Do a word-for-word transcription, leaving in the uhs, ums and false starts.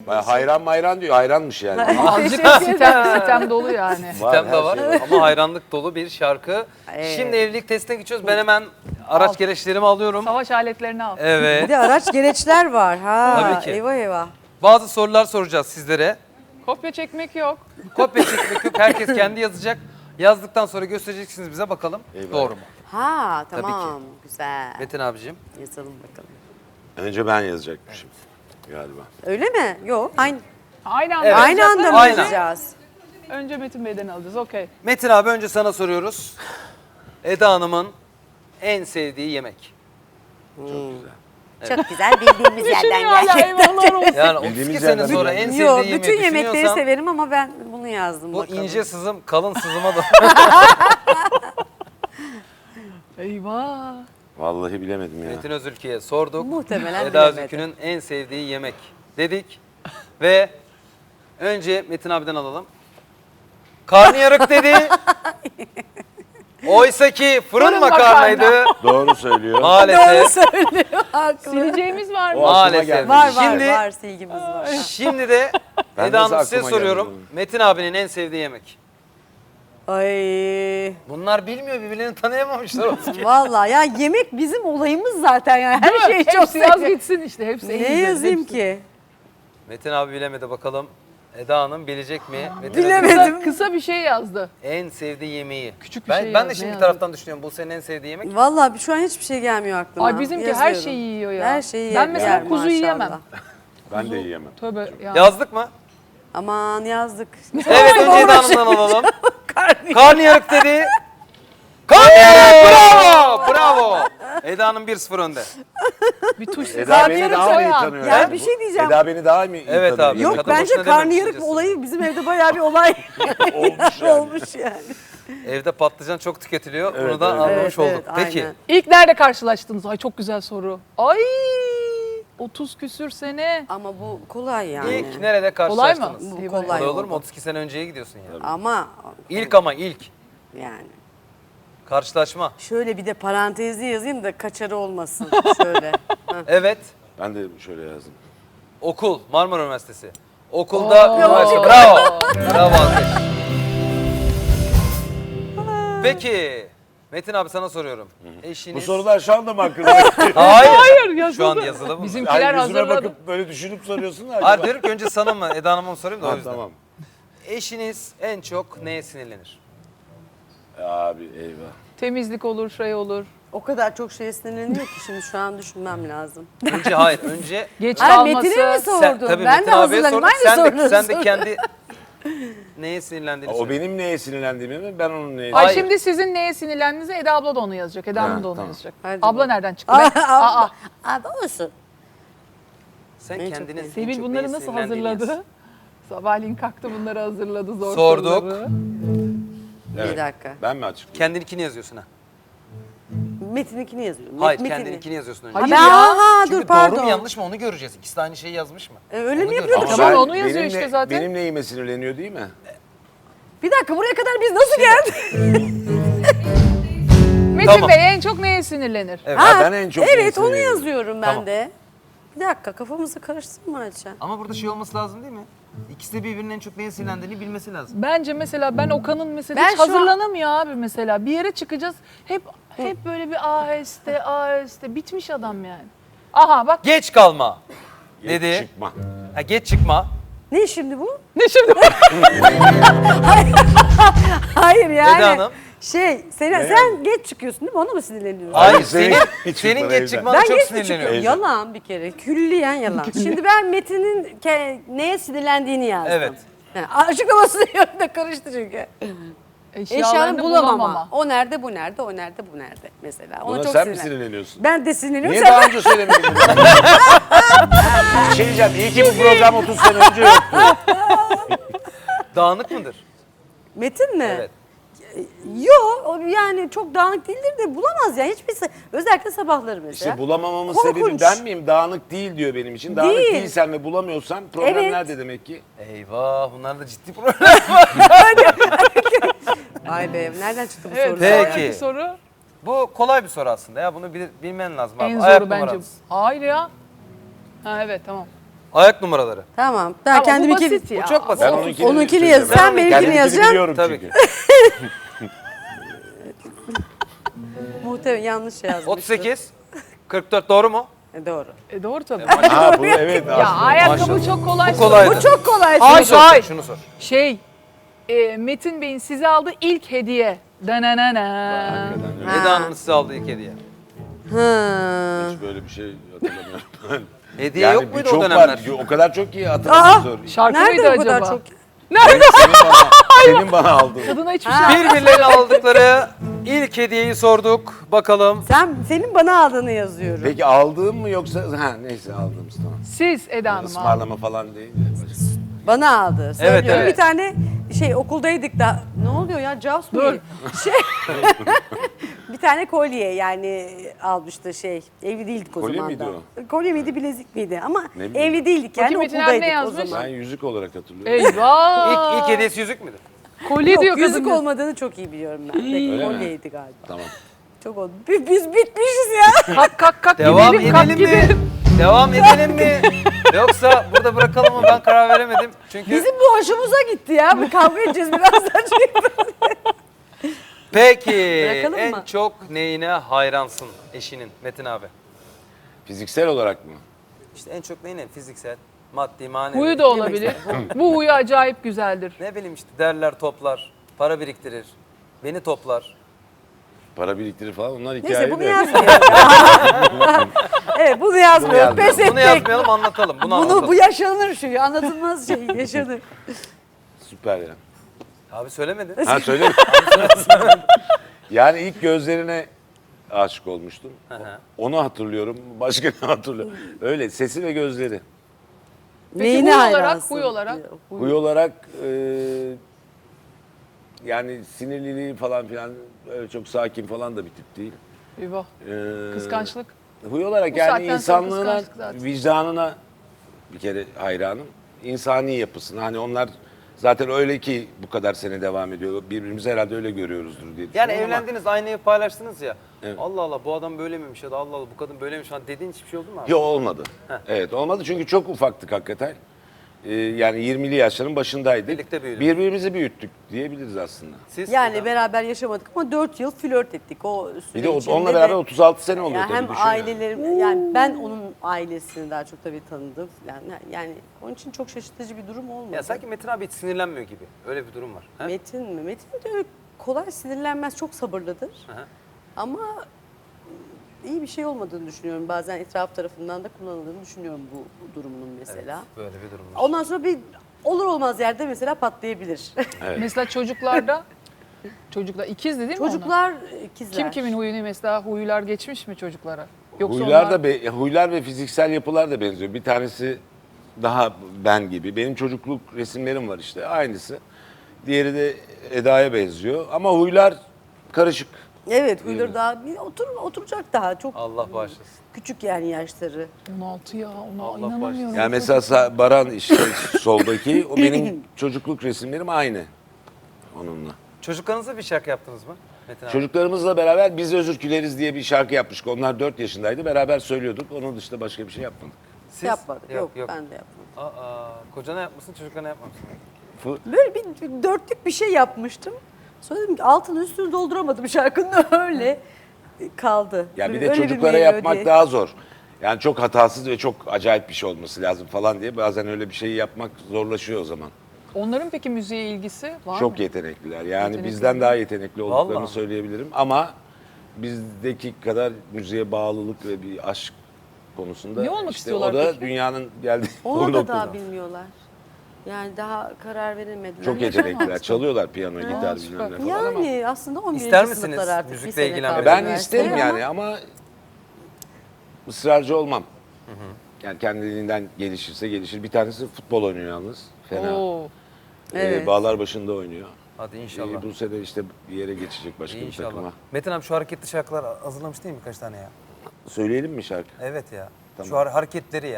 Bayağı hayran mayran diyor. Hayranmış yani. Azıcık sitem, sitem dolu yani. Sitem her de var şey var. ama hayranlık dolu bir şarkı. Evet. Şimdi evlilik testine geçiyoruz. Ben hemen araç Al. gereçlerimi alıyorum. Savaş aletlerini al. Bir Evet. de araç gereçler var. Ha, Tabii ki. Eyvah eyvah. Bazı sorular soracağız sizlere. Kopya çekmek yok. Kopya çekmek yok. Herkes kendi yazacak. Yazdıktan sonra göstereceksiniz bize bakalım. Eyvallah. Doğru mu? Ha Tabii tamam. Güzel. Metin abicim. Yazalım bakalım. Önce ben yazacakmışım galiba. Öyle mi? Yok. Aynı, Aynı anda. Evet. aynı anda mı Aynen. yazacağız? Önce Metin Bey'den alacağız. Okey. Metin abi önce sana soruyoruz. Eda Hanım'ın en sevdiği yemek. Çok güzel. Çok güzel bildiğimiz Şimdi yerden hala geldi. eyvallah olsun. Yani Bildiğimiz otuz iki sene yerden sonra biliyorum. en sevdiği Yok, yemeği bütün yemekleri düşünüyorsan severim ama ben bunu yazdım bu bakalım. ince sızım kalın sızıma da. Eyvah. Vallahi bilemedim ya. Metin Özülkü'ye sorduk. Muhtemelen Eda bilemedi. Özülkü'nün en sevdiği yemek dedik. Ve önce Metin abiden alalım. Karnıyarık dedi. Oysa ki fırın Fırın makarnaydı. Doğru söylüyor. Doğru Maalesef. söylüyor. Haklı. Sileceğimiz var mı? O aklıma Maalesef. gelmedi. Var var Şimdi- var silgimiz var. Şimdi de Ben Eda nasıl Hanım size aklıma soruyorum. gelmedi Metin abinin en sevdiği yemek. Ay Bunlar bilmiyor, birbirlerini tanıyamamışlar. Özge. vallahi ya yemek bizim olayımız zaten yani. Her şeyi çok Hepsi yaz seviyorum. gitsin işte. Hepsi en Ne güzeli, yazayım hepsi. ki? Metin abi bilemedi bakalım. Eda Hanım bilecek mi? Metin Bilemedim. Özülkü Kısa, kısa bir şey yazdı. en sevdiği yemeği. Küçük bir ben, şey Ben de yaz, şimdi ne bir taraftan düşünüyorum. Bu senin en sevdiği yemek. Vallahi şu an hiçbir şey gelmiyor aklıma. Ay bizimki her Yazıyorum. şeyi yiyor ya. Her şeyi Ben yer- mesela yer kuzu maşallah. yiyemem. Ben de yiyemem. Tövbe ya. Yazdık mı? Aman yazdık. Evet, önce Eda Hanım'dan alalım. Karnıyarık dedi. Karnıyarık! Bravo! Bravo! Eda Hanım bir sıfır önde. Bir tuş. Eda beni Karnıyarık daha mı iyi soğan. tanıyor? Ya yani? bir şey diyeceğim. Eda beni daha mı iyi Evet tanıyor? abi. Yok Kadın bence boşuna dememiş karnıyarık diyeceksin. olayı bizim evde bayağı bir olay Olmuş yani. olmuş yani. Evde patlıcan çok tüketiliyor. Bunu Evet, da evet. anlamış Evet, olduk. evet, Peki. aynen. İlk nerede karşılaştınız? Ay çok güzel soru. Ay otuz küsür sene. Ama bu kolay yani. İlk nerede Kolay mı? karşılaştınız? Bu Eyvah. kolay Kolay olur mu? oldu. otuz iki sene önceye gidiyorsun yani. Ama İlk ama ilk. yani. Karşılaşma. Şöyle bir de parantezli yazayım da kaçarı olmasın. Şöyle. Heh. Evet. Ben de şöyle yazdım. Okul. Marmara Üniversitesi. Okulda Oo. üniversite. Bravo. Bravo alkış. Peki. Metin abi sana soruyorum. Eşiniz... Bu sorular şu anda mı aklına? Hayır. Hayır yazıldı. Şu an yazılı mı? Bizimkiler Yani yüzüme hazırladı. bakıp böyle düşünüp soruyorsun da acaba? Hayır diyorum ki önce sana mı Eda Hanım'a mı sorayım da o Ha, yüzden. tamam. Eşiniz en çok neye sinirlenir? Abi eyvah. Temizlik olur, şey olur. O kadar çok şey sinirleniyor ki şimdi şu an düşünmem lazım. Önce hayır. Önce Geç Ay kalması. Metin'e mi sordun? sen, tabii ben Metin de abiye hazırlanayım. sorduk. Aynı Sen de, soruları sen de sor. kendi neye sinirlendiğini O söyle. benim neye sinirlendiğimi mi? Ben onun neye Ay Hayır. şimdi sizin neye sinirlendiğinizi Eda abla da onu yazacak. Eda Ha, Hanım da onu tamam. yazacak. Hadi Abla bakalım. nereden çıktı? Ben- Aa, Aa, Abi olsun. Sen En çok kendine neye- en Sevil çok bunları neye nasıl sinirlendiğini yaz. hazırladı? Sabahleyin kalktı bunları hazırladı zor Sorduk. soruları. Evet. Bir dakika. Ben mi açıklayayım? Kendininkini yazıyorsun ha. Metin'inkini yazıyorum. Hayır Metin'i. kendininkini yazıyorsun önce. Hayır Ha, ya. aha, Çünkü dur pardon. doğru mu yanlış mı onu göreceğiz. İkisi de aynı şeyi yazmış mı? E, öyle Onu mi göreceğiz. yapıyorduk? Tamam, ben- onu yazıyor benim işte ne- zaten. Benim neyime sinirleniyor değil mi? Bir dakika buraya kadar biz nasıl geldik? Metin Tamam. Bey en çok neye sinirlenir? Evet. Ha, ben en çok neye Evet onu sinirleniyorum? yazıyorum ben Tamam. de. Bir dakika kafamızı karıştırma Ayça. Ama burada şey olması lazım değil mi? İkisi de birbirinin en çok neye sinirlendiğini bilmesi lazım. Bence mesela ben Okan'ın mesela Ben hiç şu an- hazırlanamıyor abi mesela. Bir yere çıkacağız hep hep böyle bir aheste aheste bitmiş adam yani. Aha bak Geç kalma Geç dedi. Çıkma. Ha, geç çıkma. Ne şimdi bu? ne şimdi Hayır yani. Eda Hanım. Şey sen, Ne sen geç çıkıyorsun değil mi? Ona mı sinirleniyorsun? Hayır Hayır, senin, senin- senin, hiç çıkma geç evden. çıkmana Ben çok geç mi sinirleniyor. çıkıyorum? Yalan bir kere. Külliyen yalan. Şimdi ben Metin'in ke- neye sinirlendiğini yazdım. Evet. Yani açıklaması yönünde karıştı çünkü. Eşyanı bulamama. O nerede, bu nerede, o nerede, bu nerede mesela. Ona Buna çok sen mi sinirlen- sinirleniyorsun? Ben de sinirleniyorum. Niye Sen- daha önce söylemedin bunu? Bir şey diyeceğim. İyi ki bu program otuz sene önce yoktu. Dağınık mıdır? Metin mi? Evet. Yok o yani çok dağınık değildir de bulamaz yani hiçbir se- özellikle sabahları mesela. İşte bulamamamın Korkunç. sebebi ben miyim? Dağınık değil diyor benim için. Dağınık Değil. değilsen ve bulamıyorsan problem Evet. nerede demek ki? Eyvah bunlar da ciddi problem. Ay be nereden çıktı bu Evet, sorular? Peki. ya? sonraki soru Bu kolay bir soru aslında ya bunu bil- bilmen lazım abi. en Ayak zoru bence. numaranız. Hayır ya. Ha evet tamam. Ayak numaraları. Tamam. Ben Ama bu kendimi basit ya. Bu çok basit. Ben O- onunkini, onunkini söyleyeceğim. yaz- sen Ben benimkini kendimkini yazacaksın. biliyorum Tabii çünkü. muhtemelen yanlış yazmıştım. otuz sekiz. kırk dört doğru mu? E, doğru. E doğru tabii. Ha bu evet Ya aslında. ayakkabı Maşallah. çok kolay. Bu kolaydı. Bu çok kolay. Ay, Şunu sor, ay. şunu sor. Şey, e, Metin Bey'in size aldığı ilk hediye. Dananana. Ha. Eda Hanım'ın size aldığı ilk hediye. Hı. Hiç böyle bir şey hatırlamıyorum. Hediye yok muydu o çok dönemler? Var. O kadar çok ki hatırlamıyorum. zor. Şarkı Nerede mıydı bu kadar acaba? çok? Senin bana, senin bana aldığın. Kadına hiçbir şey Birbirlerine aldıkları ilk hediyeyi sorduk. Bakalım. Sen senin bana aldığını yazıyorum. Peki aldığım mı yoksa ha neyse aldığımız tamam. Siz Eda Hanım aldı. Ismarlama falan değil. de başka. Bana aldı. Söylüyorum. evet. Bir tane şey okuldaydık da ne oluyor ya Jaws mı? Dur. Şey bir tane kolye yani almıştı şey. Evli değildik o Kolye zaman miydi da. Kolye miydi bilezik miydi ama Ne bileyim. evli değildik yani Bakayım Metin abi okuldaydık ne o yazmış? zaman. Ben yüzük olarak hatırlıyorum. Eyvah. İlk, ilk hediyesi yüzük müydü? Kolye Yok, diyor kadın. yüzük olmadığını çok iyi biliyorum ben. Peki, Öyle mi? kolyeydi galiba. Tamam. Çok oldu. Biz, biz bitmişiz ya. Kalk kalk kalk Devam gidelim kalk edelim mi? gidelim. Devam edelim mi? Yoksa burada bırakalım mı? Ben karar veremedim. Çünkü Bizim bu hoşumuza gitti ya. Bir kavga edeceğiz birazdan. peki Bırakalım en mı? çok neyine hayransın eşinin Metin abi? Fiziksel olarak mı? İşte en çok neyine? Fiziksel, maddi, manevi. Huyu da olabilir. Bu huyu acayip güzeldir. Ne bileyim işte derler toplar, para biriktirir, beni toplar. Para biriktirir falan onlar hikaye Neyse bunu de. yazmıyoruz. Evet bunu yazmıyoruz. Bunu Pes yazmayalım. Bunu ettik. yazmayalım anlatalım. Bunu, Bunu, anlatalım. bu yaşanır şu anlatılmaz şey yaşanır. Süper ya. Abi söylemedin. Ha söyle. Yani ilk gözlerine aşık olmuştum. Hı hı. Onu hatırlıyorum. Başka ne hatırlıyorum? Öyle sesi ve gözleri. Peki Neyine huy olarak, hayransın? huy olarak. Huy olarak e, yani sinirliliği falan filan öyle çok sakin falan da bir tip değil. Eyvah. E, Kıskançlık. Huy olarak Bu yani saatten sonra insanlığına, kıskançlık zaten. vicdanına bir kere hayranım. İnsani yapısına. Hani onlar zaten öyle ki bu kadar sene devam ediyor. Birbirimizi herhalde öyle görüyoruzdur diye Yani düşünüyorum ama- evlendiniz, aynı evi paylaştınız ya. Evet. Allah Allah bu adam böyle miymiş ya da Allah Allah bu kadın böyleymiş falan dediğin hiçbir şey oldu mu abi? Yok olmadı. Heh. Evet olmadı çünkü çok ufaktık hakikaten. Ee, yani yirmili yaşların başındaydık. Birlikte büyüdünüz. Birbirimizi büyüttük diyebiliriz aslında. Siz? Yani beraber yaşamadık ama dört yıl flört ettik o süre Bir de o- içinde onunla de- beraber otuz altı sene oluyor Yani tabii hem düşün yani. ailelerim yani ben onun ailesini daha çok tabii tanıdım. Yani yani onun için çok şaşırtıcı bir durum olmadı. Ya sanki Metin abi hiç sinirlenmiyor gibi. Öyle bir durum var. He? Metin mi? Metin de öyle kolay sinirlenmez, çok sabırlıdır. Hı hı. Ama iyi bir şey olmadığını düşünüyorum. Bazen etraf tarafından da kullanıldığını düşünüyorum bu, bu durumunun mesela. Böyle bir durum var. Ondan sonra bir olur olmaz yerde mesela patlayabilir. Mesela çocuklarda çocuklar ikizdi değil mi onlar? Çocuklar ikizler. Kim kimin huyunu mesela huylar geçmiş mi çocuklara? Yoksa Huylar onlar... da be- huylar ve fiziksel yapılar da benziyor. Bir tanesi daha ben gibi. Benim çocukluk resimlerim var işte aynısı. Diğeri de Eda'ya benziyor ama huylar karışık. Evet, huyları daha bir otur oturacak daha çok Allah bağışlasın. küçük yani yaşları. on altı ya ona Allah inanamıyorum. Yani mesela Sa- Baran işte soldaki o benim çocukluk resimlerim aynı onunla. Çocuklarınıza bir şarkı yaptınız mı Metin abi? Çocuklarımızla beraber Biz Özür Dileriz diye bir şarkı yapmıştık. Onlar dört yaşındaydı. Beraber söylüyorduk. Onun dışında başka bir şey yapmadık. Siz? Yapmadık. Yok, Yok, yok. ben de yapmadım. Aa, kocana yapmışsın, çocuklarına yapmamışsın. Fı- Böyle bir, bir dörtlük bir şey yapmıştım. Sonra dedim ki altını üstünü dolduramadım şarkının öyle kaldı. Ya bir Böyle de öyle çocuklara melodi. yapmak daha zor. Yani çok hatasız ve çok acayip bir şey olması lazım falan diye bazen öyle bir şeyi yapmak zorlaşıyor o zaman. Onların peki müziğe ilgisi var Çok mı? yetenekliler. Yani Yetenekli. bizden daha yetenekli olduklarını Vallahi. söyleyebilirim ama bizdeki kadar müziğe bağlılık ve bir aşk konusunda Ne olmak işte istiyorlar o da peki? dünyanın geldiği Onu da noktada. daha bilmiyorlar. Yani daha karar veremediler. Çok yetenekliler. Çalıyorlar piyano, gitar bilmem ne falan ama Yani aslında on birinci İster misiniz sınıflar artık. müzikle bir sene ilgilenmeyi? kaldı ben üniversiteye isterim ama yani ama ısrarcı olmam. Yani kendiliğinden gelişirse gelişir. Bir tanesi futbol oynuyor yalnız. Fena. Oo. Ee, Evet. Bağlar başında oynuyor. Hadi inşallah. Ee, bu sene işte bir yere geçecek başka bir İnşallah. takıma. Metin abi şu hareketli şarkılar hazırlamış değil mi birkaç tane ya? Söyleyelim mi şarkı? Evet ya. Tamam. Şu har- hareketleri ya.